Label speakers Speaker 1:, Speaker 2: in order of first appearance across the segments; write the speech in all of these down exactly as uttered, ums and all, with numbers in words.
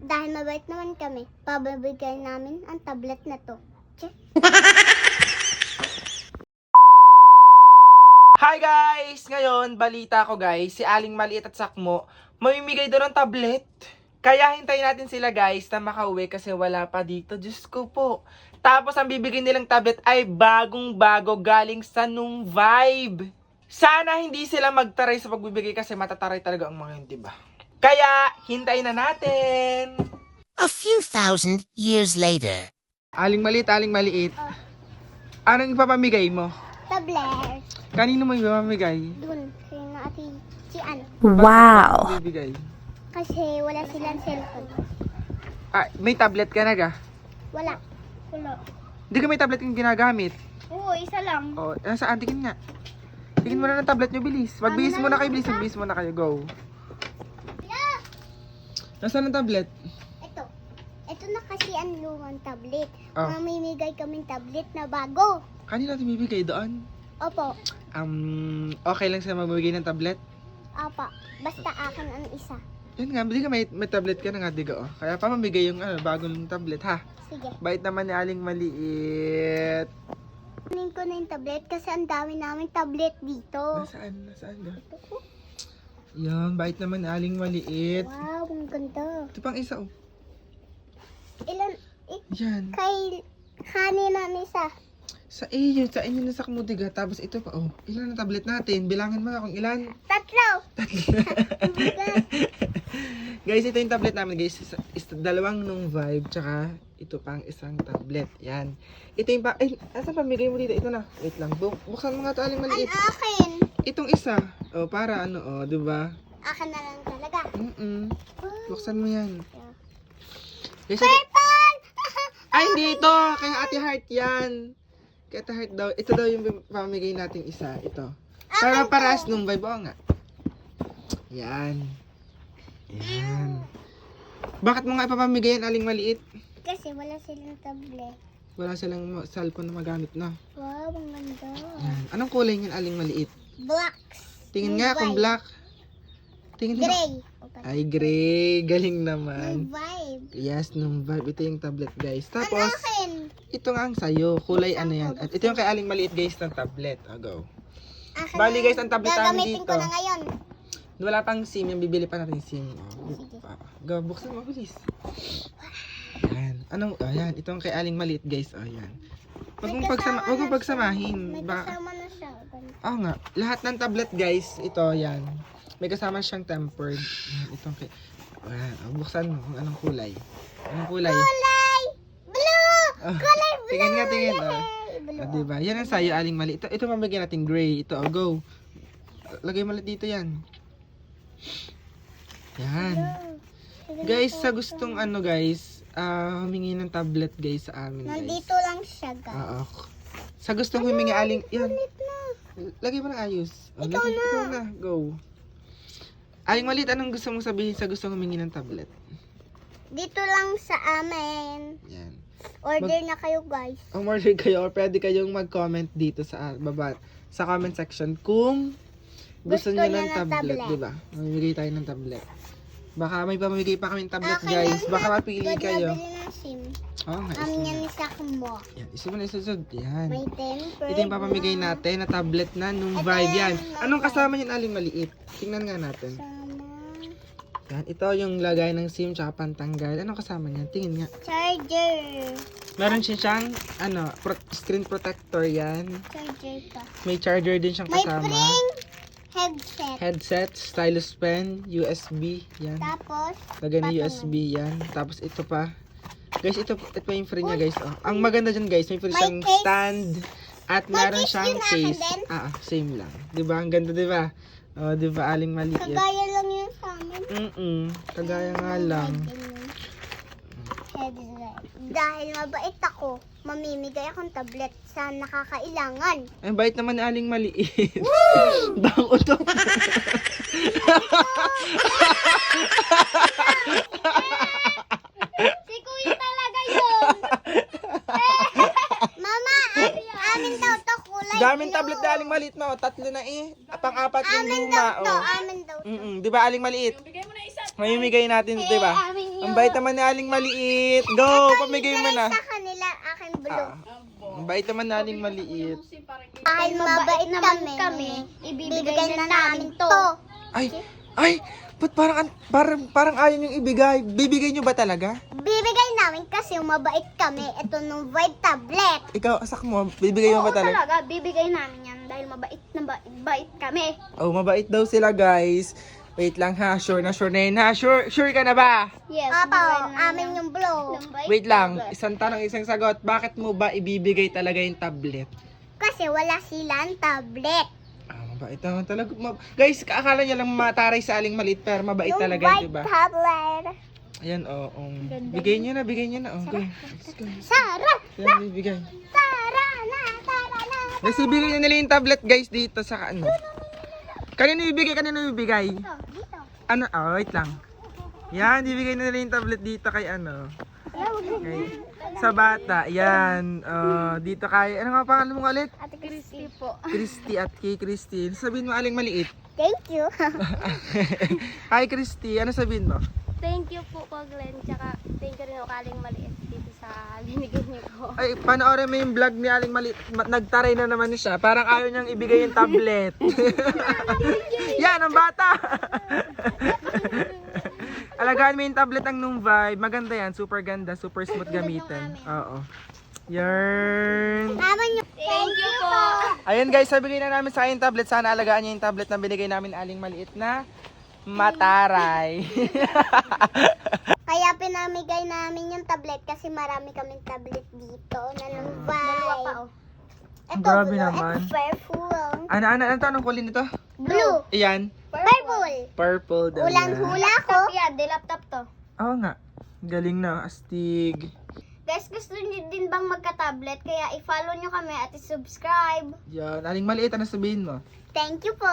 Speaker 1: Dahil mabait naman kami, pabibigay namin ang tablet na to. Che?
Speaker 2: Hi guys! Ngayon, balita ko guys, si Aling Maliit at Sakmo, mamimigay doon ng tablet. Kaya hintayin natin sila guys na makauwi kasi wala pa dito. Diyos ko po. Tapos ang bibigyan nilang tablet ay bagong-bago galing sa Nung Vibe. Sana hindi sila magtaray sa pagbibigay kasi matataray talaga ang mga yun, diba? Kaya, hintayin na natin!
Speaker 3: A few thousand years later.
Speaker 2: Aling Maliit, Aling Maliit. Anong ipapamigay mo?
Speaker 1: Tablet.
Speaker 2: Kanino mo ipapamigay?
Speaker 1: Dun, kay na ati, si ano.
Speaker 2: Wow! Bibigay.
Speaker 1: Kasi wala silang cellphone.
Speaker 2: Ah, may tablet ka na ga?
Speaker 1: Wala. Wala.
Speaker 2: Hindi ka may tablet yung ginagamit.
Speaker 1: Oo, isa lang.
Speaker 2: O, oh, nasaan? Tingin nga. Tingin mo na ng tablet nyo, bilis. Magbihis muna kayo, bilis. Magbihis muna kayo. Go. Nasaan ang tablet?
Speaker 1: Ito. Ito na kasi ang lumang tablet.
Speaker 2: Oh.
Speaker 1: Mamimigay kaming tablet na bago.
Speaker 2: Kanina natin bibigay doon.
Speaker 1: Opo.
Speaker 2: Um, okay lang sila magbibigay ng tablet?
Speaker 1: Opo. Basta akin ang isa.
Speaker 2: Yun nga, hindi ka may, may tablet ka na nga, diga oh. Kaya pa mamigay yung ano, bagong tablet, ha?
Speaker 1: Sige.
Speaker 2: Bait naman ni Aling Maliit.
Speaker 1: Kunin ko na yung tablet kasi ang dami namin tablet dito.
Speaker 2: Nasaan? Nasaan ga? Yan, bait naman ni Aling Maliit.
Speaker 1: Wow, ang ganda.
Speaker 2: Ito pang isa, oh.
Speaker 1: Ilan? Eh,
Speaker 2: Yan.
Speaker 1: kay kanina na isa.
Speaker 2: Sa iyo, sa inyo na sa kumudiga. Tapos ito pa, oh. Ilan ang tablet natin? Bilangan mo nga kung ilan.
Speaker 1: Tatlo.
Speaker 2: Guys, ito yung tablet namin, guys. Isa, isa, dalawang Nung Vibe, tsaka ito pang isang tablet. Yan. Ito yung pa... Ay, asan pamigay mo dito? Ito na. Wait lang. Bu buksan mo nga ito, Aling Maliit.
Speaker 1: Ang akin.
Speaker 2: Itong isa. Oh, para ano, oh, diba?
Speaker 1: Akin na lang talaga.
Speaker 2: Mm-mm. Buksan mo yan. Guys, ito...
Speaker 1: Purple!
Speaker 2: Ay, hindi ito. Kaya Ate Heart yan. Kaya Ate Heart daw. Ito daw yung pamigay nating isa. Ito. Para paras Nung Vibe. Oo nga. Yan. Yan. Bakit mo nga ipapamigay yan, Aling Maliit?
Speaker 1: Kasi wala silang tablet.
Speaker 2: Wala silang ma- cellphone na magamit na.
Speaker 1: Wow, ang ganda.
Speaker 2: Yan. Anong kulay niyan, Aling Maliit?
Speaker 1: Blacks.
Speaker 2: Tingin
Speaker 1: Nung
Speaker 2: nga kung
Speaker 1: Vibe.
Speaker 2: black. Tingin nga.
Speaker 1: Gray.
Speaker 2: Ay, gray. Galing
Speaker 1: Nung
Speaker 2: naman.
Speaker 1: Vibe.
Speaker 2: Yes, Nung Vibe. Ito yung tablet, guys.
Speaker 1: Ang
Speaker 2: Tapos,
Speaker 1: akin.
Speaker 2: ito nga ang sayo. Kulay ano yan. At ito yung kay Aling Maliit, guys, ng tablet. O, go.
Speaker 1: Akin
Speaker 2: Bali,
Speaker 1: na.
Speaker 2: guys, ang tablet namin
Speaker 1: Gagamitin
Speaker 2: dito.
Speaker 1: ko na ngayon.
Speaker 2: Wala pang SIM. Yung bibili pa natin SIM. O,
Speaker 1: Sige.
Speaker 2: go, buksan mo, bilis. Yan. Anong, ayan. Ito ang kay Aling Maliit, guys. O, yan. Huwag mong pagsama, huwag mong pagsamahin.
Speaker 1: May
Speaker 2: Baka,
Speaker 1: kasama na siya.
Speaker 2: oo nga. Lahat ng tablet, guys, ito, yan. May kasama siyang tempered. Yan, itong kay... Ayan, oh, buksan mo kung anong kulay. Anong kulay?
Speaker 1: Kulay! Blue!
Speaker 2: Oh,
Speaker 1: Kulay blue!
Speaker 2: tingin nga, tingin. Oh.
Speaker 1: Yay! Blue.
Speaker 2: Ah, diba? Yan ang sayo, Aling Maliit. Ito, ito mamigay natin gray. Ito, oh, go. Lagay mo ulit dito yan. Yan.
Speaker 1: Blue.
Speaker 2: Guys, sa gustong ano, guys, ah, humingi ng tablet, guys, sa amin, guys.
Speaker 1: Nandito lang siya, guys.
Speaker 2: Oo. Sa gustong humingi, Aling... Yan.
Speaker 1: Ulit na.
Speaker 2: Lagay mo ng ayos. Oh,
Speaker 1: Ikaw
Speaker 2: lagay,
Speaker 1: na.
Speaker 2: Ikaw na. Go. Aling Maliit, anong gusto mong sabihin sa gustong humingi ng tablet?
Speaker 1: Dito lang sa amin.
Speaker 2: Yan.
Speaker 1: Order na kayo, guys.
Speaker 2: Umorder kayo or pwede kayong mag-comment dito sa ah, baba sa comment section kung gusto,
Speaker 1: Gusto
Speaker 2: niyo
Speaker 1: niya
Speaker 2: ng
Speaker 1: ng
Speaker 2: tablet,
Speaker 1: tablet.
Speaker 2: di ba? Mamimigay tayo ng tablet. Baka may pamimigay pa kaming tablet,
Speaker 1: Akin
Speaker 2: guys.
Speaker 1: yan,
Speaker 2: Baka
Speaker 1: na-
Speaker 2: mapili
Speaker 1: pwede
Speaker 2: kayo.
Speaker 1: nabili ng SIM.
Speaker 2: Oo nga,
Speaker 1: Amin
Speaker 2: isa
Speaker 1: yan
Speaker 2: na.
Speaker 1: ni Sakmo.
Speaker 2: Yan, isa mo na isusod. Yan.
Speaker 1: May temper.
Speaker 2: Ito yung papamigay natin na tablet na Nung
Speaker 1: Ito
Speaker 2: Vibe. Yan.
Speaker 1: yung
Speaker 2: Anong
Speaker 1: Nung
Speaker 2: kasama niyan, Aling Maliit? Tingnan nga natin.
Speaker 1: Sama.
Speaker 2: Yan, ito yung lagay ng SIM tsaka pantanggal. Anong kasama niyan? Tingin nga.
Speaker 1: Charger.
Speaker 2: Meron siya siyang, ano, pro- screen protector yan.
Speaker 1: Charger pa.
Speaker 2: May charger din siyang
Speaker 1: May
Speaker 2: kasama.
Speaker 1: spring headset.
Speaker 2: Headset, stylus pen, U S B, yan.
Speaker 1: Tapos,
Speaker 2: Lagay ng U
Speaker 1: patungan.
Speaker 2: S B, yan. Tapos ito pa. Guys, ito, ito pa yung free niya, guys. Oh. Ang maganda dyan, guys, may free
Speaker 1: May
Speaker 2: siyang
Speaker 1: case.
Speaker 2: stand. At
Speaker 1: May
Speaker 2: meron
Speaker 1: case
Speaker 2: siyang
Speaker 1: yun, akin
Speaker 2: case.
Speaker 1: din.
Speaker 2: Ah, ah, same lang. Diba? Ang ganda, diba? Oh, diba? Aling Maliit.
Speaker 1: kagaya lang yun sa amin.
Speaker 2: Mm-mm. Kagaya nga lang.
Speaker 1: Headset. Dahil mabait ako, mamimigay akong tablet sa nakakailangan.
Speaker 2: Ay, bait naman ni Aling Maliit. Bang utok.
Speaker 1: Si Kuya talaga yun. Mama, amin daw to kulay
Speaker 2: Daming
Speaker 1: blue.
Speaker 2: tablet na Aling Maliit, no? Tatlo na eh. Pang-apat yung
Speaker 1: Amin
Speaker 2: luma,
Speaker 1: daw to,
Speaker 2: oh.
Speaker 1: amin daw to.
Speaker 2: Mm-mm. Di ba, Aling Maliit? Mamimigay natin, di ba?
Speaker 1: amin
Speaker 2: O, Ang bait naman ni Aling Maliit. Go, pamigay mo na.
Speaker 1: Sa kanila, aking blue.
Speaker 2: Ang bait naman ni Aling Maliit.
Speaker 1: Kahit mabait kami, kami, ibibigay na namin to.
Speaker 2: Ay, ay, ba't parang, an- parang, parang ayaw niyong ibigay? Bibigay niyo ba talaga?
Speaker 1: Bibigay namin kasi mabait kami. Ito nung Vibe tablet.
Speaker 2: Ikaw, asak mo, bibigay mo
Speaker 1: Oo
Speaker 2: ba talaga?
Speaker 1: talaga, bibigay namin yan dahil mabait na bait, bait kami.
Speaker 2: Oh, mabait daw sila, guys. Wait lang ha, sure na sure na yun ha. Sure, sure ka na ba?
Speaker 1: Yes, Apo, amin yung blue.
Speaker 2: Wait lang, isang tanong, isang sagot. Bakit mo ba ibibigay talaga yung tablet?
Speaker 1: Kasi wala silang tablet.
Speaker 2: Ah, mabait naman talaga. Ma- guys, akala niya lang mataray sa Aling Maliit, pero mabait
Speaker 1: Yung
Speaker 2: talaga,
Speaker 1: Vibe
Speaker 2: di ba?
Speaker 1: tablet.
Speaker 2: Ayan, oh, um, bigay niyo na, bigay niyo na. Oh, go. Let's go.
Speaker 1: Sara!
Speaker 2: Yan, bibigay.
Speaker 1: Tara na! Tara na!
Speaker 2: Guys, ibigay na nila yung tablet, guys, dito sa ano. Kanino ibigay? Kanino ibigay?
Speaker 1: Dito, dito.
Speaker 2: Ano? Oh, wait lang. Yan, ibigay na nila yung tablet dito kay ano. Kay, sa bata. Yan. Uh, dito kay, ano nga pangalan mo ulit?
Speaker 1: Ate Christy po.
Speaker 2: Christy at kay Christy. Sabihin mo, Aling Maliit.
Speaker 1: Thank you.
Speaker 2: Hi, Christy. Ano sabihin mo?
Speaker 4: Thank you po po Glenn, tsaka thank you rin o Aling Maliit dito sa binigay niyo po.
Speaker 2: Ay, panoorin mo yung vlog ni Aling Maliit. Ma- Nagtaray na naman siya. Parang ayaw niyang ibigay yung tablet. Yan, ang bata. Alagaan mo yung tablet ang nung Vibe. Maganda yan. Super ganda. Super smooth gamitin. Oo. Yarn.
Speaker 1: Naman yung
Speaker 4: Thank you po.
Speaker 2: Ayun guys, sabihin na namin sa kayong tablet. Sana alagaan niyo yung tablet na binigay namin Aling Maliit na mataray.
Speaker 1: Kaya pinamigay namin yung tablet kasi marami kaming tablet dito na ng
Speaker 4: Dalawa pa
Speaker 1: Vibe.
Speaker 4: oh.
Speaker 1: Ito,
Speaker 2: Grabe
Speaker 1: blue.
Speaker 2: naman.
Speaker 1: Ito, purple.
Speaker 2: Ano, ano, ano to? Anong kulay nito?
Speaker 1: Blue.
Speaker 2: Iyan.
Speaker 1: Purple.
Speaker 2: Purple daw
Speaker 1: Ulang
Speaker 2: yan.
Speaker 1: hula ko.
Speaker 4: Laptop yan, di laptop to.
Speaker 2: Oo nga. Galing na, astig.
Speaker 1: Guys, gusto niyo din bang magka-tablet? Kaya i-follow niyo kami at i-subscribe.
Speaker 2: Yan. Aling Maliit, ano sabihin mo?
Speaker 1: Thank you po.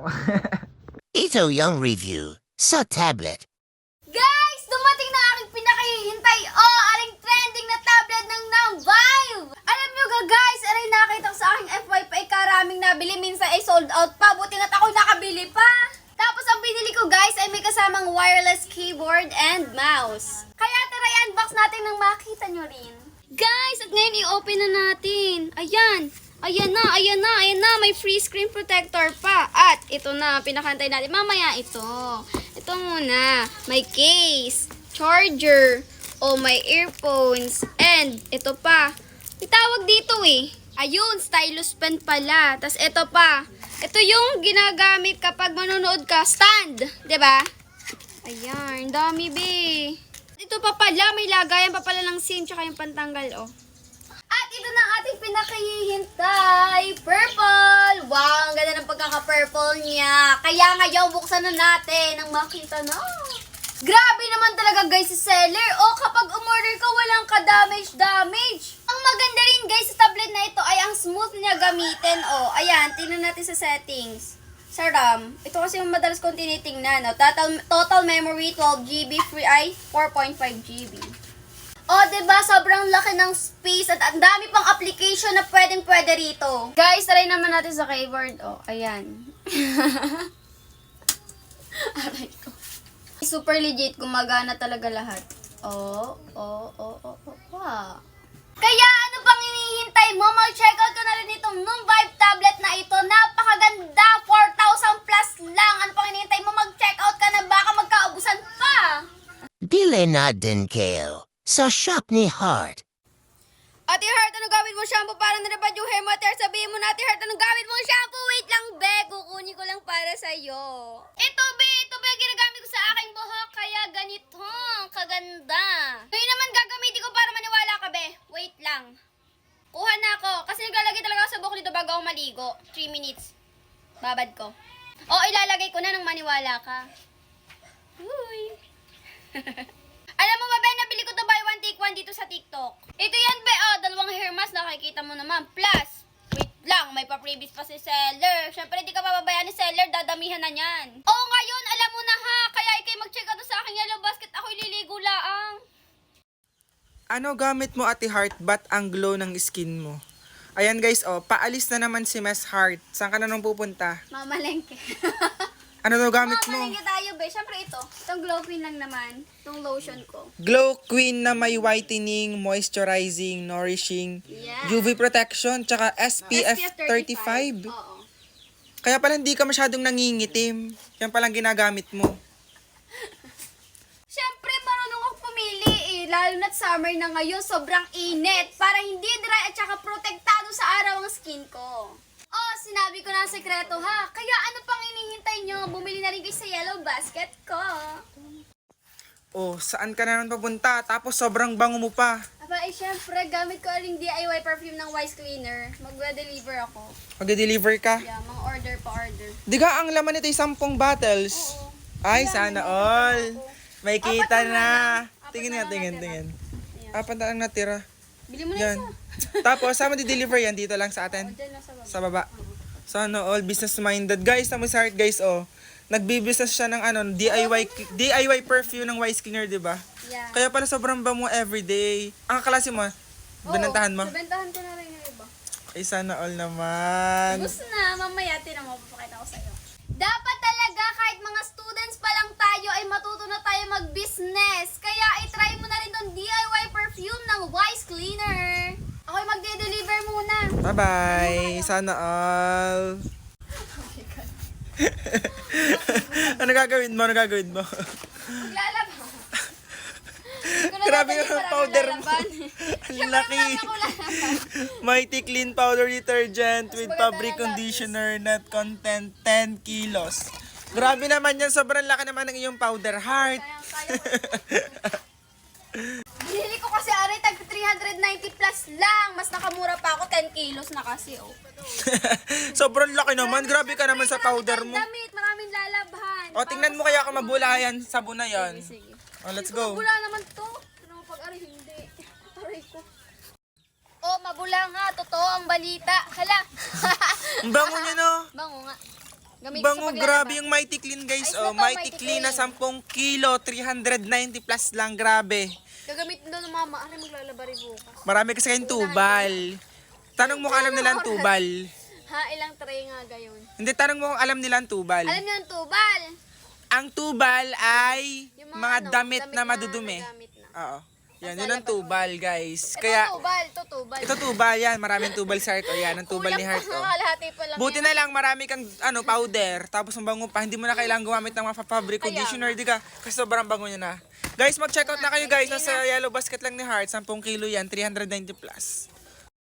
Speaker 3: Ito yung review sa tablet.
Speaker 4: Guys, dumating na aking pinakahihintay. Oh, aling trending na tablet ng Nang Vibe. Alam nyo ga guys, aray nakita ko sa aking F Y P ay karaming nabili. Minsan ay sold out pa. Buti nga't ako nakabili pa. Tapos ang binili ko guys ay may kasamang wireless keyboard and mouse. Kaya tara i-unbox natin nang makita nyo rin. Guys, at ngayon i-open na natin. Ayan. Ayan na, ayan na, ayan na. May free screen protector pa. At ito na, pinakantay natin. Mamaya ito. Ito muna. May case, charger, o may earphones, and ito pa. May tawag dito eh. Ayun, stylus pen pala. Tapos ito pa. Ito yung ginagamit kapag manonood ka. Stand. 'Di ba? Ayan, dami be. Ito pa pala, may lagayan pa pala ng SIM tsaka yung pantanggal, oh. At ito na ang ating pinakahihintay. Purple! Wow, ang ganda ng pagkaka-purple niya. Kaya ngayon, buksan na natin ang makita na. Grabe naman talaga guys si seller. O kapag umorder ka, walang ka-damage-damage. Ang maganda rin guys sa tablet na ito ay ang smooth niya gamitin. O, ayan, tingnan natin sa settings. Sa RAM, ito kasi yung madalas kong tinitingnan. No? Total, total memory twelve gigabytes, free ay four point five gigabytes. O, diba? Sobrang laki ng space at ang dami pang application na pwedeng pwede rito. Guys, try naman natin sa keyboard. O, ayan. Aray ko. Super legit, gumagana talaga lahat. Oh, oh, oh, oh, oh, wow. Kaya ano pang hinihintay mo? Mag-check out ka na rin itong Nung Vibe tablet na ito. Napakaganda! four thousand plus lang. Ano pang hinihintay mo? Mag-check out ka na. Baka magkaubusan pa.
Speaker 3: Bili na din kayo sa shop ni Heart.
Speaker 4: Ate Heart, ano gamit mo shampoo para narapad yung hair mo? Ate Heart, sabihin mo na, Ate Heart, anong gamit mong shampoo? Wait lang, be. Kukunin ko lang para sa'yo. Ito, be. Ito, be. Ginagamit ko sa aking buhok. Kaya ganito. Kaganda. Ngayon naman gagamitin ko para maniwala ka, be. Wait lang. Kuha na ako. Kasi naglalagay talaga ako sa buhok dito bago ako maligo. three minutes. Babad ko. O, ilalagay ko na nang maniwala ka. Uy. Alam mo ba, be, nabili ko to buy one take one dito sa TikTok. Ito yan, be, oh, dalawang hair mask, nakikita mo naman. Plus, wait lang, may pa-freebies pa si seller. Siyempre, di ka pababayaan ni seller, dadamihan na niyan. Oo, ngayon, alam mo na ha, kaya ikay mag-check out sa aking yellow basket, ako ililigo laang.
Speaker 2: Ano gamit mo, Ate Heart? Ba't ang glow ng skin mo? Ayan guys, oh, paalis na naman si Miss Heart. Saan ka na nung pupunta?
Speaker 4: Mamalengke.
Speaker 2: Ano daw gamit
Speaker 4: Mga
Speaker 2: mo?
Speaker 4: palengke tayo, be. Siyempre ito. Itong Glow Queen lang naman. Itong lotion ko.
Speaker 2: Glow Queen na may whitening, moisturizing, nourishing,
Speaker 4: Yeah.
Speaker 2: U V protection, tsaka S P F
Speaker 4: S P F
Speaker 2: thirty-five.
Speaker 4: Oo.
Speaker 2: Kaya pala hindi ka masyadong nangingitim. Yan palang ginagamit mo.
Speaker 4: Siyempre, marunong ako pumili eh. Lalo na't summer na ngayon, sobrang init. Para hindi dry at saka protektado sa araw ang skin ko. Oh, sinabi ko na ang sekreto ha. Kaya ano pang inihintay nyo? Bumili na rin kayo sa yellow basket ko.
Speaker 2: Oh, saan ka na naman papunta? Tapos sobrang bango mo pa.
Speaker 4: Aba, eh syempre, gamit ko rin D I Y perfume ng Wise Cleaner. Magwa-deliver ako.
Speaker 2: Mag-deliver ka.
Speaker 4: Yeah, mga order pa order.
Speaker 2: Di ka ang laman nito ay sampung bottles.
Speaker 4: Oo.
Speaker 2: Ay,
Speaker 4: Kaya,
Speaker 2: sana
Speaker 4: nandito
Speaker 2: all.
Speaker 4: pa ako.
Speaker 2: May
Speaker 4: Apat
Speaker 2: kita
Speaker 4: na
Speaker 2: na.
Speaker 4: lang. Apat
Speaker 2: Tingin
Speaker 4: na
Speaker 2: nga,
Speaker 4: lang
Speaker 2: tingin,
Speaker 4: natira.
Speaker 2: tingin.
Speaker 4: Ayan.
Speaker 2: Apat na lang natira.
Speaker 4: Bili mo na
Speaker 2: Yan.
Speaker 4: isa.
Speaker 2: Tapos, saan mo di-deliver yan? Dito lang sa
Speaker 4: O,
Speaker 2: atin.
Speaker 4: dyan lang sa baba.
Speaker 2: Sa baba. Sana all business-minded. Guys, na heart guys, oh. Nagbi-business siya ng ano, D I Y D I Y perfume ng Wise Cleaner, di ba?
Speaker 4: Yeah.
Speaker 2: Kaya pala sobrang bango everyday. Ang kaklase mo, binantahan mo?
Speaker 4: Oo, nabentahan ko na rin yung iba.
Speaker 2: Ay, sana all naman.
Speaker 4: Gusto na, mamaya tinang mapapakita ko sa'yo. Dapat talaga kahit mga students pa lang tayo ay matuto na tayo mag-business. Kaya i-try mo na rin tong D I Y perfume ng Wise Cleaner. Ako'y magde-deliver muna.
Speaker 2: Bye-bye. Sana all. Ano gagawin mo? Ano gagawin mo?
Speaker 4: Maglalaban.
Speaker 2: Grabe yung powder mo. Ang laki. Mighty Clean Powder Detergent with fabric conditioner net content ten kilos. Grabe naman yan. Sobrang laki naman ng iyong powder heart.
Speaker 4: Binili ko kasi aray tag three hundred ninety plus lang. Mas nakamura pa ako, ten kilos na kasi oh.
Speaker 2: Sobrang laki naman. Grabe ka naman sa powder mo.
Speaker 4: Maraming damit, maraming lalabhan.
Speaker 2: O, tingnan mo kaya kung mabulayan. Sabon na yan.
Speaker 4: Sige.
Speaker 2: O, let's
Speaker 4: Sige,
Speaker 2: go.
Speaker 4: mabula naman to. Pero pag-aray, hindi. Aray ko. Oh, mabula nga. Totoo ang balita. Hala.
Speaker 2: Ang bango niya, no?
Speaker 4: Bango nga. Gamit ko
Speaker 2: Bango,
Speaker 4: sa
Speaker 2: grabe
Speaker 4: paglalaba.
Speaker 2: yung Mighty Clean, guys.
Speaker 4: Ay,
Speaker 2: Oh,
Speaker 4: ito,
Speaker 2: Mighty
Speaker 4: Mighty
Speaker 2: Clean na
Speaker 4: Clean.
Speaker 2: ten kilo, three hundred ninety plus lang. Grabe.
Speaker 4: Gagamitin daw ng mama. Aray, maglalaba rin bukas.
Speaker 2: Marami kasi kayong tubal. Tanong mo kung alam nila ang tubal.
Speaker 4: Ha, ilang tray nga gayon.
Speaker 2: Hindi, tanong mo kung alam nila ang tubal.
Speaker 4: Alam niyo ang tubal?
Speaker 2: Ang tubal ay
Speaker 4: Yung
Speaker 2: mga
Speaker 4: ano,
Speaker 2: damit na madudumi.
Speaker 4: nagamit na.
Speaker 2: Oo. Yan, yun ang tubal, guys.
Speaker 4: Ito
Speaker 2: Kaya,
Speaker 4: tubal, ito tubal.
Speaker 2: ito tubal yan. Maraming tubal sa heart. O yan, ang tubal ni
Speaker 4: Kulang
Speaker 2: heart.
Speaker 4: pa
Speaker 2: Oh.
Speaker 4: nga, kalahati pa lang
Speaker 2: Buti
Speaker 4: yan.
Speaker 2: na lang, marami kang ano powder. Tapos ang bango pa. Hindi mo na kailangan gumamit ng mga fabric
Speaker 4: Kaya
Speaker 2: conditioner, di ka? Kasi sobrang bango niya na. Guys, mag-check out na kayo, guys. Nasa yellow basket lang ni Heart. ten kilo yan, three hundred ninety plus.